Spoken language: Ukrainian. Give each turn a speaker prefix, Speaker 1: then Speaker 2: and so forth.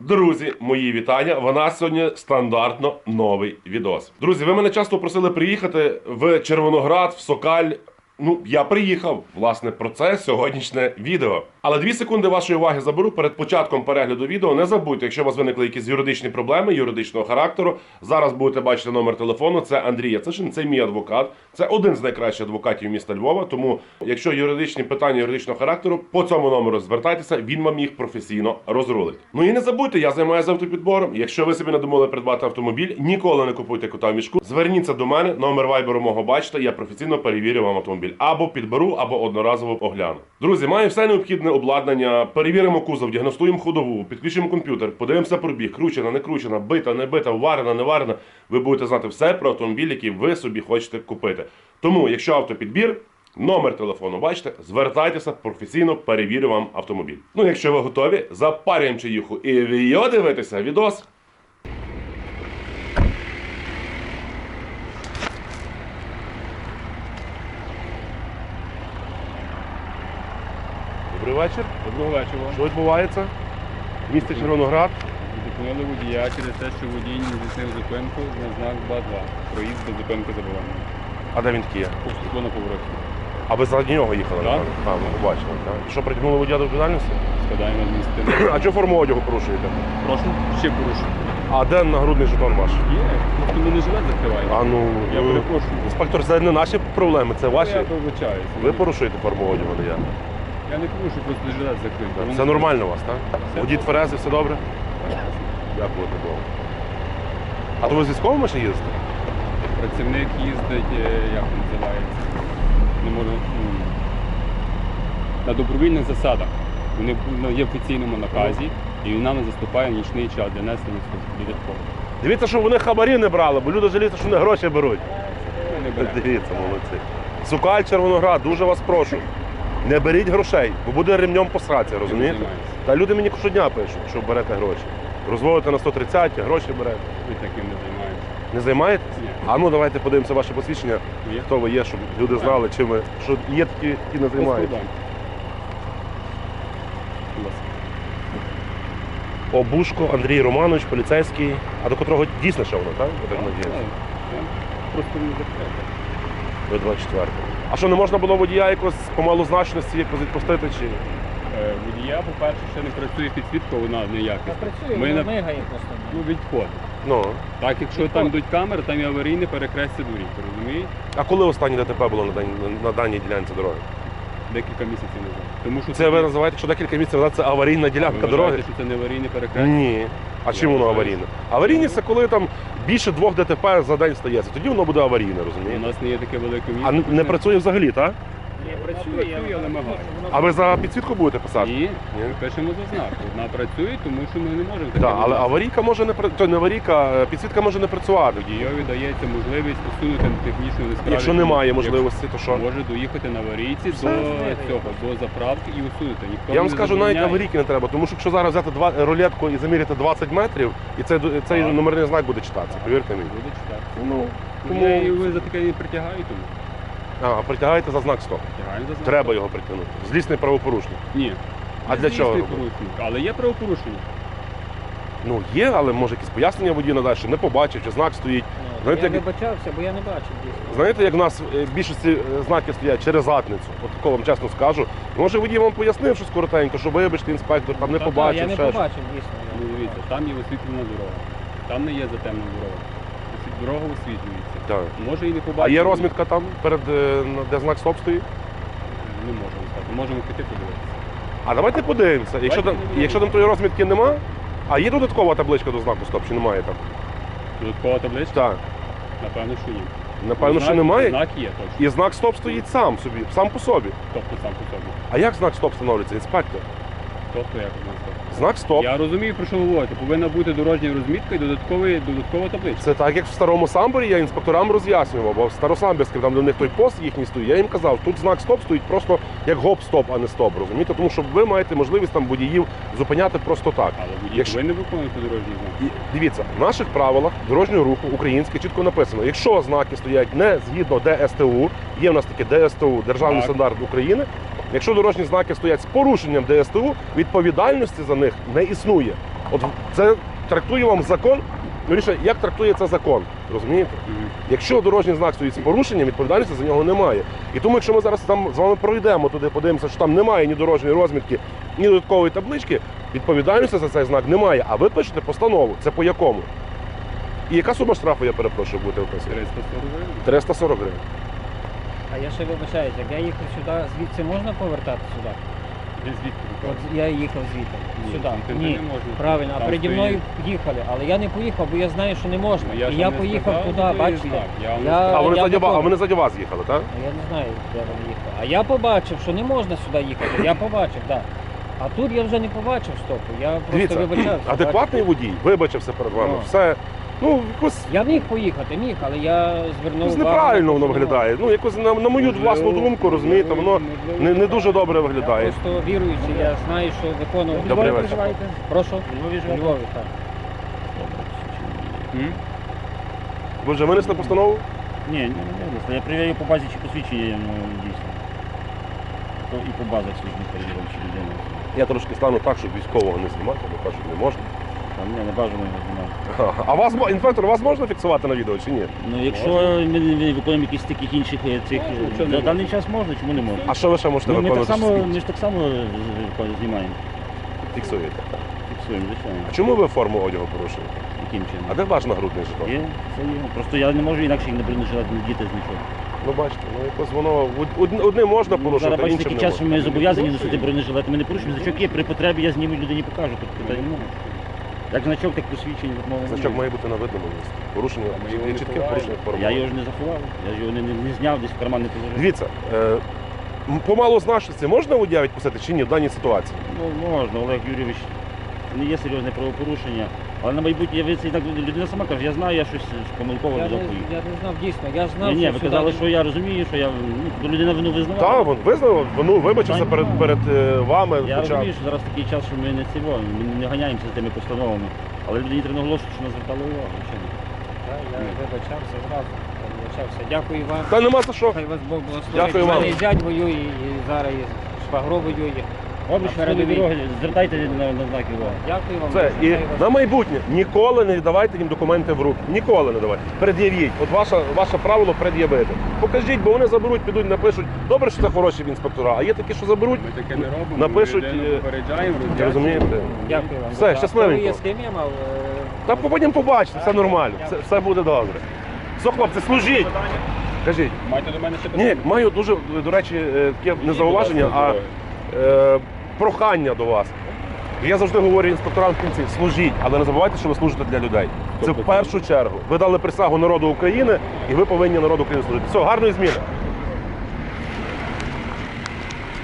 Speaker 1: Друзі, мої вітання. В нас сьогодні стандартно новий відос. Друзі, ви мене часто просили приїхати в Червоноград, в Сокаль. Ну, я приїхав, власне, про це сьогоднішнє відео. Але 2 секунди вашої уваги заберу перед початком перегляду відео. Не забудьте, якщо у вас виникли якісь юридичні проблеми, юридичного характеру, зараз будете бачити номер телефону. Це Андрій Яцишин, це мій адвокат. Це один з найкращих адвокатів міста Львова. Тому, якщо юридичні питання юридичного характеру, по цьому номеру звертайтеся, він вам їх професійно розрулить. Ну і не забудьте, я займаюся автопідбором. Якщо ви собі надумали придбати автомобіль, ніколи не купуйте кота в мішку. Зверніться до мене, номер вайберу мого бачите, я професійно перевірю вам автомобіль. Або підберу, або одноразово огляну. Друзі, маю все необхідне обладнання, перевіримо кузов, діагностуємо ходову, підключимо комп'ютер, подивимося пробіг, кручена, не кручена, бита, не бита, варена, не варена. Ви будете знати все про автомобіль, який ви собі хочете купити. Тому, якщо автопідбір, номер телефону бачите, звертайтеся, професійно перевірю вам автомобіль. Ну, якщо ви готові, запарюємо чаюху і віо дивитися відос. Добрий вечір.
Speaker 2: Доброго вечора.
Speaker 1: Що відбувається? В місті Червоноград.
Speaker 2: Зупинили водія через те, що водій не здійснив зупинку на знак 2.2. Проїзд без зупинки заборонений.
Speaker 1: А де він такий є?
Speaker 2: Повстекло на повороті.
Speaker 1: А ви заради нього їхали?
Speaker 2: Так.
Speaker 1: Так, ми побачили. Так. Що, притягнули водія до відповідальності?
Speaker 2: Складаємо адміністративне.
Speaker 1: А чого форму одягу порушуєте?
Speaker 2: Прошу, ще порушую.
Speaker 1: А де нагрудний жетон ваш?
Speaker 2: Є, хто мене живе, закриває.
Speaker 1: А ну,
Speaker 2: Я перепрошую.
Speaker 1: інспектор, це не наші проблеми, це ваші.
Speaker 2: Я вибачаюся.
Speaker 1: Ви порушуєте форму одягу, не я.
Speaker 2: Я не порушую, просто жилет закритий.
Speaker 1: Це нормально у вас, так?
Speaker 2: Все.
Speaker 1: Водій тверезий, все добре? Дякую Богу. А то ви з військовим машин їздите?
Speaker 2: Працівник їздить, як він називається, не можу, на добровільних засадах. Вони є в офіційному наказі, і він нам заступає в нічний час для несення додатково.
Speaker 1: Дивіться, що вони хабарі не брали, бо люди жаліються, що вони гроші беруть.
Speaker 2: Ми не беремо.
Speaker 1: Дивіться, молодці. Сокаль, Червоноград, дуже вас прошу. Не беріть грошей, бо буде ремнем посратися, розумієте?
Speaker 2: займаємося.
Speaker 1: Та люди мені щодня пишуть, що берете гроші. Розводите на 130, гроші берете.
Speaker 2: Ми таким не займаємося.
Speaker 1: Не займаєтесь?
Speaker 2: Ні.
Speaker 1: А ну давайте подивимося ваше посвідчення,
Speaker 2: Є?
Speaker 1: хто ви є, щоб люди знали, чим ви, що є такі, які не
Speaker 2: Без
Speaker 1: займаються.
Speaker 2: проблем. Будь ласка.
Speaker 1: Обушко Андрій Романович, поліцейський, а до котрого дійсно ще воно, так? Я так надіюся.
Speaker 2: Так. Просто не закрите.
Speaker 1: До 24. А що, не можна було водія якось по малозначності якось відпустити? Чи?
Speaker 2: Водія, по-перше, ще не працює підсвітка, вона неякісна.
Speaker 3: Працює,
Speaker 2: Ми
Speaker 3: вона
Speaker 2: на-
Speaker 3: мигає просто.
Speaker 2: Ну, відходить.
Speaker 1: Ну.
Speaker 2: Так, якщо там йдуть камери, там і аварійне перехрестя доріг, розумієте?
Speaker 1: А коли останнє ДТП було на даній ділянці дороги?
Speaker 2: Декілька місяців назад. Тому що
Speaker 1: Це ви називаєте, що декілька місяців назад це аварійна ділянка
Speaker 2: ви
Speaker 1: дороги?
Speaker 2: вважаєте, що це не аварійне перехрестя?
Speaker 1: Ні. А чим воно
Speaker 2: вважаю.
Speaker 1: аварійне? Аварійність це коли там більше 2 ДТП за день стається. Тоді воно буде аварійне,
Speaker 2: У
Speaker 1: розумієте?
Speaker 2: нас не є таке велике місто.
Speaker 1: А не працює взагалі, так?
Speaker 3: Не
Speaker 2: Працює, але мигає.
Speaker 1: А ви за підсвітку будете писати?
Speaker 2: Ні, ми пишемо за знак. Вона працює, тому що ми не можемо таке
Speaker 1: Так, але
Speaker 2: робити.
Speaker 1: аварійка може не то не аварійка, підсвітка може не працювати.
Speaker 2: Водійові дається можливість усунути технічну несправність.
Speaker 1: Якщо немає можливості, то що?
Speaker 2: Може доїхати на аварійці
Speaker 1: Все.
Speaker 2: до заправки і усунути. Ніхто
Speaker 1: Я вам
Speaker 2: не
Speaker 1: скажу, навіть
Speaker 2: забороняє.
Speaker 1: аварійки не треба, тому що якщо зараз взяти рулетку і заміряти 20 метрів, і цей
Speaker 2: Так.
Speaker 1: номерний знак буде читатися, повірте мені.
Speaker 2: Буде читати.
Speaker 1: Ну,
Speaker 2: Тому... Я і ви за таке не притягаю, тому
Speaker 1: притягаєте за знак стоп.
Speaker 2: притягаю за знак.
Speaker 1: Треба його притягнути. Злісний правопорушник.
Speaker 2: Ні.
Speaker 1: А
Speaker 2: Не
Speaker 1: для чого
Speaker 2: здійснює
Speaker 1: робити?
Speaker 2: порушник, але є правопорушення.
Speaker 1: Ну є, але може якісь пояснення водій надасть, що не побачив, чи знак стоїть. Знаєте,
Speaker 3: Я
Speaker 1: як-
Speaker 3: вибачався, бо я не бачив дійсно.
Speaker 1: Знаєте, як в нас в більшості знаки стоять через задницю, от такого вам чесно скажу. Може водій вам пояснив щось коротенько, що вибачте, інспектор, там не
Speaker 3: Я
Speaker 1: побачив,
Speaker 3: не
Speaker 1: ще щось.
Speaker 3: побачив дійсно.
Speaker 2: Ну, дивіться, там є освітлена дорога. Там не є затемна дорога. Дорога освітлюється.
Speaker 1: Так.
Speaker 2: Може і не
Speaker 1: А
Speaker 2: побачити.
Speaker 1: є розмітка там, перед де знак стоп стоїть?
Speaker 2: Не можемо сказати. Можемо піти подивитися.
Speaker 1: А давайте подивимося. Якщо там тої розмітки нема, а є додаткова табличка до знаку стоп, чи немає там?
Speaker 2: Додаткова табличка?
Speaker 1: Так.
Speaker 2: Напевно, що ні.
Speaker 1: Напевно, що
Speaker 2: Знак-
Speaker 1: немає.
Speaker 2: Знак є точно.
Speaker 1: І знак стоп стоїть сам собі, сам по собі.
Speaker 2: Тобто сам по собі.
Speaker 1: А як знак стоп встановлюється, інспектор?
Speaker 2: Тобто як знак стоп.
Speaker 1: Знак стоп.
Speaker 2: Я розумію, про що ви говорите. Повинна бути дорожня розмітка і додаткова табличка.
Speaker 1: Це так, як в старому самборі я інспекторам роз'яснював, бо в старосамбірському, там де в них той пост їхній стоїть, я їм казав, тут знак стоп стоїть просто як гоп-стоп, а не стоп, розумієте? Тому що ви маєте можливість там водіїв зупиняти просто так.
Speaker 2: Але водій
Speaker 1: Якщо-
Speaker 2: повинен виконувати дорожній знак.
Speaker 1: І дивіться, в наших правилах дорожнього руху українське чітко написано, якщо знаки стоять не згідно ДСТУ, є в нас таке ДСТУ, Державний
Speaker 2: Так.
Speaker 1: стандарт України, якщо дорожні знаки стоять з порушенням ДСТУ, відповідальності за них не існує. От це трактує вам закон, вірніше, як трактує це закон, розумієте? Якщо дорожній знак стоїть з порушенням, відповідальності за нього немає. І тому, якщо ми зараз там з вами пройдемо туди, подивимося, що там немає ні дорожньої розмітки, ні додаткової таблички, відповідальності за цей знак немає. А ви пишете постанову. Це по якому? І яка сума штрафу, я перепрошую, буде вписана?
Speaker 2: 340 гривень.
Speaker 1: 340 гривень.
Speaker 3: А я ще вибачаюсь, як я їхав сюди, звідси можна повертати сюди?
Speaker 2: Ви звідки?
Speaker 3: От я їхав звідти,
Speaker 2: Ні,
Speaker 3: сюди.
Speaker 2: звідти
Speaker 3: Ні,
Speaker 2: не можна.
Speaker 3: правильно, а
Speaker 2: Там
Speaker 3: переді
Speaker 2: стоїть-
Speaker 3: мною їхали, але я не поїхав, бо я знаю, що не можна.
Speaker 2: Ну, я
Speaker 3: І
Speaker 2: ж
Speaker 3: я
Speaker 2: вам не
Speaker 3: поїхав
Speaker 2: сказав,
Speaker 3: туди,
Speaker 2: то є
Speaker 3: бачите?
Speaker 2: знак. Я вам не
Speaker 3: Я-
Speaker 2: сказав.
Speaker 1: А вони,
Speaker 3: я
Speaker 1: заді,
Speaker 3: готовий.
Speaker 1: а вони заді вас їхали, так?
Speaker 3: А я не знаю, де вони їхали. А я побачив, що не можна сюди їхати. Я побачив, так. А тут я вже не побачив стопу. Я просто
Speaker 1: Дивіться,
Speaker 3: вибачався.
Speaker 1: адекватний водій вибачився перед вами.
Speaker 3: Ну.
Speaker 1: Все, ну, якось
Speaker 3: Я міг поїхати, міг, але я звернув
Speaker 1: якось
Speaker 3: увагу.
Speaker 1: неправильно воно
Speaker 3: що не
Speaker 1: виглядає. Ну, якось на мою
Speaker 2: Можливо,
Speaker 1: власну думку, розумієте, воно не дуже добре
Speaker 3: можна. Я
Speaker 1: виглядає.
Speaker 3: просто віруючий, я знаю, що виконував.
Speaker 1: Добрий
Speaker 3: Львові
Speaker 1: вечір.
Speaker 3: проживаєте? Прошу? У Львові, так.
Speaker 2: М?
Speaker 1: Ви вже винесли постанову?
Speaker 4: Ні, не винесли. Я перевіряю по базі, чи посвідчення дійсно. І по базах службі перевіряю, чи людина.
Speaker 1: Я трошки стану так, щоб військового не знімати, бо кажуть, не можна.
Speaker 4: Там не бажано його знімати.
Speaker 1: А вас, інспектор, вас можна фіксувати на відео чи ні?
Speaker 4: Ну, якщо ми не виконуємо якісь таких інших цих, на даний час можна, чому не можна?
Speaker 1: А що ви ще можете
Speaker 4: Ну, ми так
Speaker 1: виконувати?
Speaker 4: само,
Speaker 1: що
Speaker 4: ми ж так само знімаємо,
Speaker 1: фіксуєте?
Speaker 4: фіксуємо, звичайно.
Speaker 1: А чому ви форму одягу порушили?
Speaker 4: Яким чином?
Speaker 1: А де ваш нагрудний жетон?
Speaker 4: Є, це є. Просто я не можу інакше їх не бронежилет не діти з нічого.
Speaker 1: Ну бачите, ну якось воно одним можна
Speaker 4: Ну,
Speaker 1: порушити,
Speaker 4: зараз бачите,
Speaker 1: іншим
Speaker 4: такий
Speaker 1: не
Speaker 4: час, що
Speaker 1: можна.
Speaker 4: ми зобов'язані носити бронежилети, ми не порушуємо. Значок є, при потребі я зніму людині покажу, тут питань немає. Як значок, так посвідчення відмови
Speaker 1: Значок
Speaker 4: немає.
Speaker 1: має бути на видному місці. Порушення,
Speaker 2: Ми його
Speaker 1: є
Speaker 2: не
Speaker 1: чітке
Speaker 2: ховаємо.
Speaker 1: порушення форми.
Speaker 4: Я його ж не заховав, я ж його не зняв, десь в карман не положив.
Speaker 1: Дивіться, по малозначності можна водія відпустити чи ні в даній ситуації?
Speaker 4: Ну, можна, Олег Юрійович, це не є серйозне правопорушення. Але на майбутнє я це так людина сама каже, я знаю, я щось помилково
Speaker 3: Я
Speaker 4: взяв
Speaker 3: не,
Speaker 4: поїхав.
Speaker 3: я не знав дійсно, я знав,
Speaker 4: Ні, ви
Speaker 3: сюди
Speaker 4: казали,
Speaker 3: не-
Speaker 4: що я розумію, що я бо людина вину визнавала.
Speaker 1: Так, він визнав, ну вибачився перед вами.
Speaker 4: Я
Speaker 1: хоча-
Speaker 4: розумію, що зараз такий час, що ми не цього, ми не ганяємося за тими постановами. Але людині треба наголошувати, що нас звертали увагу. звичайно.
Speaker 3: Так, я вибачався зразу. Вибачався. Дякую вам.
Speaker 1: Та нема за що.
Speaker 3: Хай вас Бог благословить.
Speaker 1: Дякую
Speaker 3: У мене
Speaker 1: вам.
Speaker 3: і зять воює, і зараз і швагро воює.
Speaker 4: Обіч
Speaker 3: На
Speaker 4: передовій
Speaker 3: передовій.
Speaker 4: дороги, звертайте на знаки уваги.
Speaker 3: Дякую вам.
Speaker 1: Це і
Speaker 3: Хай вас-
Speaker 1: на майбутнє ніколи не давайте їм документи в руки. Ніколи не давайте. Пред'явіть. От ваше правило пред'явити. Покажіть, бо вони заберуть, підуть, напишуть. Добре, що це хороші інспектора, а є такі, що заберуть.
Speaker 2: Ми таке не робимо.
Speaker 1: Напишуть,
Speaker 2: Ми людину попереджаємо,
Speaker 1: Ви розумієте?
Speaker 3: Дякую вам.
Speaker 1: Все,
Speaker 3: А
Speaker 1: щасливенько.
Speaker 3: хто ви є, з ким я мав?
Speaker 1: Та потім побачите, все нормально, все буде добре. Все, хлопці, служіть. Кажіть.
Speaker 2: Маєте до мене ще
Speaker 1: Ні,
Speaker 2: питання?
Speaker 1: маю дуже, до речі, таке не зауваження, а прохання до вас. Я завжди говорю інспекторам в кінці, служіть, але не забувайте, що ви служите для людей. Це в першу чергу. Ви дали присягу народу України, і ви повинні народу України служити. Все, гарної зміни.